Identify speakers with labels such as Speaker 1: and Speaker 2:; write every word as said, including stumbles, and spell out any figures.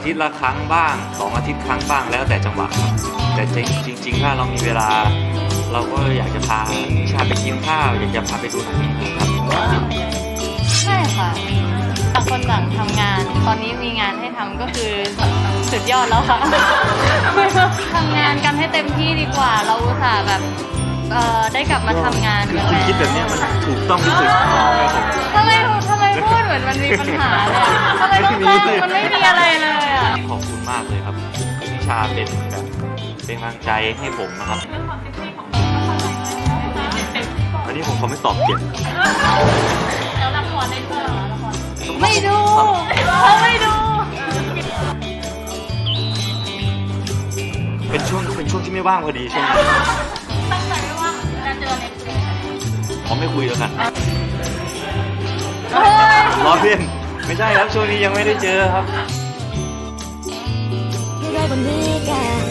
Speaker 1: ทิตย์ละครั้งบ้างสองอาทิตย์ครั้งบ้างแล้วแต่จังหวะครับแต่จริงจริงๆถ้าเรามีเวลา เราก็อยากจะพานิชาไปกินข้าวอยากจะพาไปดูหนังครับ
Speaker 2: ใช่ค่ะต่างคนต่างทำงาน ตอนนี้มีงานให้ทำก็คือสุดยอดแล้วค่ะ ทำงานกันให้เต็มที่ดีกว่า เราอุตส่าห์แบบเอ่อได้กลับมาทำงาน
Speaker 1: คือ
Speaker 2: กัน
Speaker 1: คุณ
Speaker 2: แล้ว
Speaker 1: คิดแบบนี้มันถูกต้องที่สุดครับผม
Speaker 2: ทำไมทำไมพูดเหมือนมันมีปัญหาเลยอะทำไมต้องแซงมันไม่มีอะไรเลยอ่ะ
Speaker 1: ขอบคุณมากเลยครับนิชาเป็นแบบเป็นกำลังใจให้ผมนะครับอันนี้ผมเขาไม่ตอบเก่ง
Speaker 2: แล้วละครได้ดูเหรอละครไม่ดูเขาไม่ดู
Speaker 1: เป็นช่วงเป็นช่วงที่ไม่ว่างพอดีช่วงนี้
Speaker 2: ตั้งใจไว้ว่าจะเจอในคุย
Speaker 1: ผมไม่คุยแล้วกัน
Speaker 2: เฮ้ย
Speaker 1: ล้อเล่นไม่ใช่ครับช่วงนี้ยังไม่ได้เจอครับ
Speaker 3: 그걸 보니까